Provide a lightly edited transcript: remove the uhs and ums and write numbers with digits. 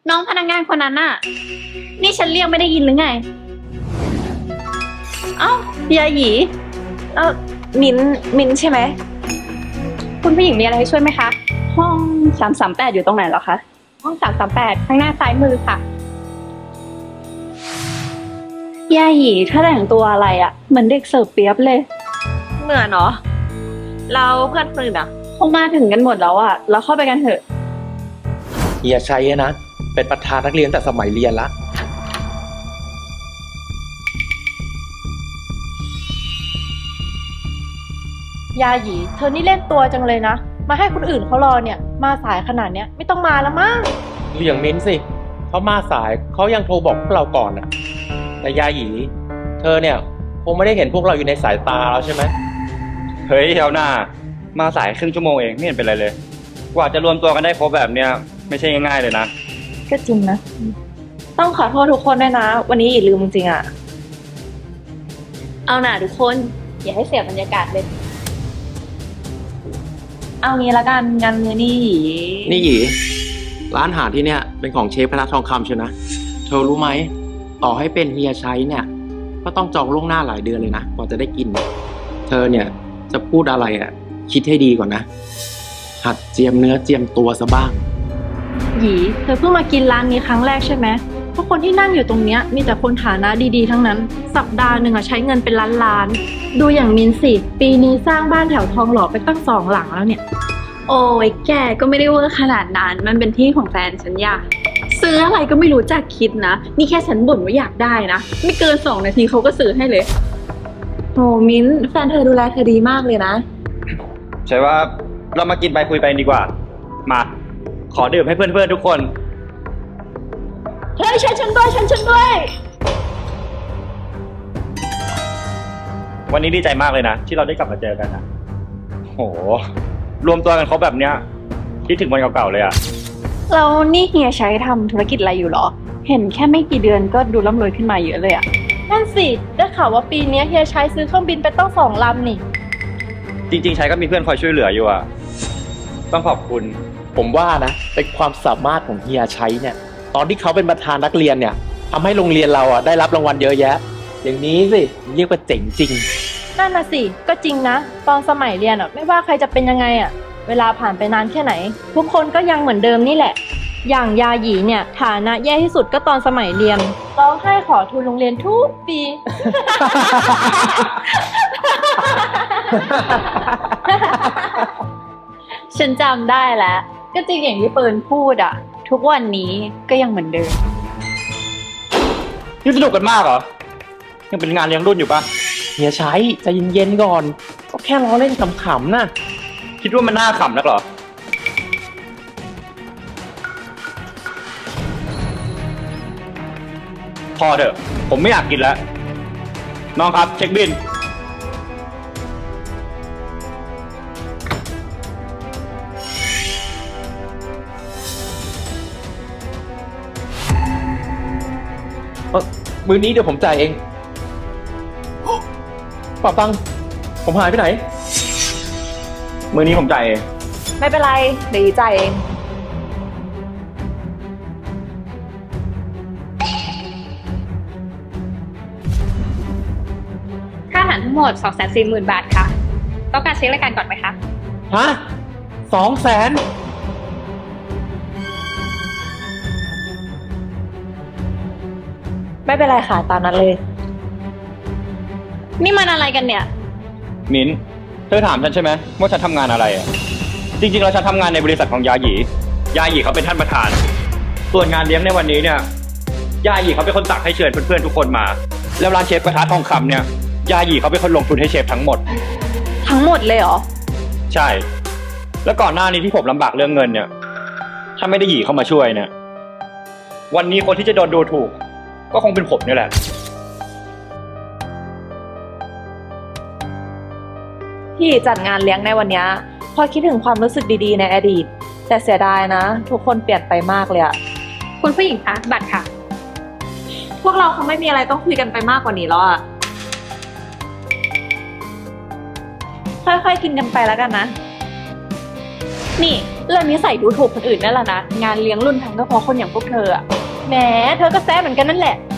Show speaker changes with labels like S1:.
S1: น้องพนักงานคนนั้นน่ะ นี่ฉันเรียกไม่ได้ยินหรือไง เอ้ายาหยี
S2: มิ้นใช่ไหม
S1: คุณผู้หญิงมีอะไรให้ช่วยไหมคะ ห้อง338อยู่ตรงไหนเหรอคะ ห้อง338ข้างหน้าซ้ายมือค่ะยาหยีถ้าแต่งตัวอะไรอะเหมือนเด็กเสิร์ฟเปียบเลย
S2: เหมือนเนาะเราเพื่อนคนอื่นอ่ะ
S1: คงมาถึงกันหมดแล้วอะเราเข้าไปกันเถอะ
S3: เฮียชัยนะเป็นประธานนักเรียนแต่สมัยเรียนละ
S4: ยาหยีเธอนี่เล่นตัวจังเลยนะ มาให้คนอื่นเขารอเนี่ย มาสายขนาดเนี้ยไม่ต้องมาแล้วมั้ง
S3: เลี่ยงมิ้นสิเขามาสายเขายังโทรบอกพวกเราก่อนน่ะแต่ยาหยีเธอเนี่ยคงไม่ได้เห็นพวกเราอยู่ในสายตาเราใช่ไหม
S5: เฮ้ยเฮลหน้ามาสายครึ่งชั่วโมงเองไม่เห็นเป็นไรเลย กว่าจะรวมตัวกันได้ครบแบบเนี้ยไม่ใช่ง่ายๆเลยนะ
S4: ก็จริงนะ ต้องขอโทษทุกคนด้วยนะ วันนี้อีลืมจริงๆอ่ะ
S1: เอาหน่าทุกคนอย่าให้เสียบรรยากาศเลย
S4: เอางี้ละกันงานมือนี่
S3: นี่หยีร้านอาหารที่เนี่ยเป็นของเชฟพระทองคำเชียวนะเธอรู้ไหมต่อให้เป็นเฮียชัยเนี่ยก็ต้องจองล่วงหน้าหลายเดือนเลยนะกว่าจะได้กิน เธอเนี่ยจะพูดอะไรอ่ะคิดให้ดีก่อนนะหัดเจียมเนื้อเจียมตัวซะบ้าง
S4: หยีเธอเพิ่งมากินร้านนี้ครั้งแรกใช่ไหมเพราะคนที่นั่งอยู่ตรงเนี้ยมีแต่คนฐานะดีๆทั้งนั้น สัปดาห์หนึ่งอะใช้เงินเป็นล้านๆดูอย่างมินสิปีนี้สร้างบ้านแถวทองหล่อไปตั้ง2 หลังแล้วเนี่ย
S1: โอ้ยแกก็ไม่ได้เวอร์ขนาดนั้นมันเป็นที่ของแฟนฉันอยากซื้ออะไรก็ไม่รู้จักคิดนะ นี่แค่ฉันบ่นว่าอยากได้นะ ไม่เกิน2 นาทีเขาก็ซื้อให้เลย
S4: โหมิ้นแฟนเธอดูแลเธอดีมากเลยนะ
S5: ใช่ว่าเรามากินไปคุยไปดีกว่า มา ขอดื่มให้เพื่อนๆทุกคน
S4: เฮ้ยฉันด้วย
S5: วันนี้ดีใจมากเลยนะที่เราได้กลับมาเจอกันนะโหรวมตัวกันครบแบบเนี้ยคิดถึงวันเก่าๆเลยอะ
S1: แล้วนี่เฮียใช้ทำธุรกิจอะไรอยู่หรอ เห็นแค่ไม่กี่เดือนก็ดูร่ำรวยขึ้นมาเยอะเลยอะ
S4: นั่นสิได้ข่าวว่าปีนี้เฮียชัยซื้อเครื่องบินไปตั้ง2 ลำนี่
S5: จริงๆใช้ก็มีเพื่อนคอยช่วยเหลืออยู่อะต้องขอบคุณ
S3: ผมว่านะเป็นความสามารถของเฮียชัยเนี่ยตอนที่เขาเป็นประธานนักเรียนเนี่ยทำให้โรงเรียนเราอ่ะได้รับรางวัลเยอะแยะ อย่างนี้สิเรียกว่าเจ๋งจริง
S4: นั่นน่ะสิก็จริงนะ ตอนสมัยเรียนอ่ะไม่ว่าใครจะเป็นยังไงอ่ะเวลาผ่านไปนานแค่ไหน ทุกคนก็ยังเหมือนเดิมนี่แหละ อย่างยาหยีเนี่ยฐานะแย่ที่สุดก็ตอนสมัยเรียนร้องไห้ขอทุนโรงเรียนทุกปี
S1: ฉันจำได้แล้ว ก็จริงอย่างที่เปิร์นพูดอะทุกวันนี้ก็ยังเหมือนเดิม
S5: นี่สนุกกันมากเหรอ ยังเป็นงานเลี้ยงรุ่นอยู่ปะ
S3: เฮียชัยใจเย็นๆก่อน ก็แค่ล้อเล่นขำๆนะ
S5: คิดว่ามันน่าขำนักเหรอ พอเถอะ ผมไม่อยากกินแล้ว น้องครับเช็คบิน
S3: มื้อนี้เดี๋ยวผมจ่ายเองเป่าตังค์ผมหายไปไหน
S5: มือนี้ผมจ่ายเอง
S4: ไม่เป็นไรเดี๋ยวหยีจ่ายเอง
S1: ค่าอาหารทั้งหมด 240,000 บาทค่ะ ต้องการเช็ครายการก่อนไหมคะ
S3: ฮะ200,000
S4: ไม่เป็นไรค่ะตามนั้นเลย
S1: นี่มันอะไรกันเนี่ย
S5: มิ้น เธอถามฉันใช่ไหมว่าฉันทำงานอะไรอ่ะ จริงๆแล้วฉันทำงานในบริษัทของยาหยี ยาหยีเขาเป็นท่านประธาน ส่วนงานเลี้ยงในวันนี้เนี่ย ยาหยีเขาเป็นคนสั่งให้เชิญเพื่อนๆทุกคนมา แล้วร้านเชฟกระทะทองคำเนี่ย ยาหยีเขาเป็นคนลงทุนให้เชฟทั้งหมด
S4: ทั้งหมดเลยเหรอ
S5: ใช่ แล้วก่อนหน้านี้ที่ผมลำบากเรื่องเงินเนี่ย ถ้าไม่ได้หยีเข้ามาช่วยเนี่ย วันนี้คนที่จะโดนดูถูก ก็คงเป็นผมนี่แหละ
S4: ที่จัดงานเลี้ยงในวันเนี้ยพอคิดถึงความรู้สึกดีๆในอดีต แต่เสียดายนะ ทุกคนเปลี่ยนไปมากเลยอะ
S1: คุณผู้หญิงคะบัตรค่ะ
S4: พวกเราคงไม่มีอะไรต้องคุยกันไปมากกว่านี้แล้วอะค่อยๆกินกันไปแล้วกันนะ
S1: นี่เรื่องนี้ใส่ดูถูกคนอื่นนั่นแหละนะ งานเลี้ยงรุ่นทันก็เพราะคนอย่างพวกเธออะ
S4: แหมเธอก็แซ่เหมือนกันนั่นแหละ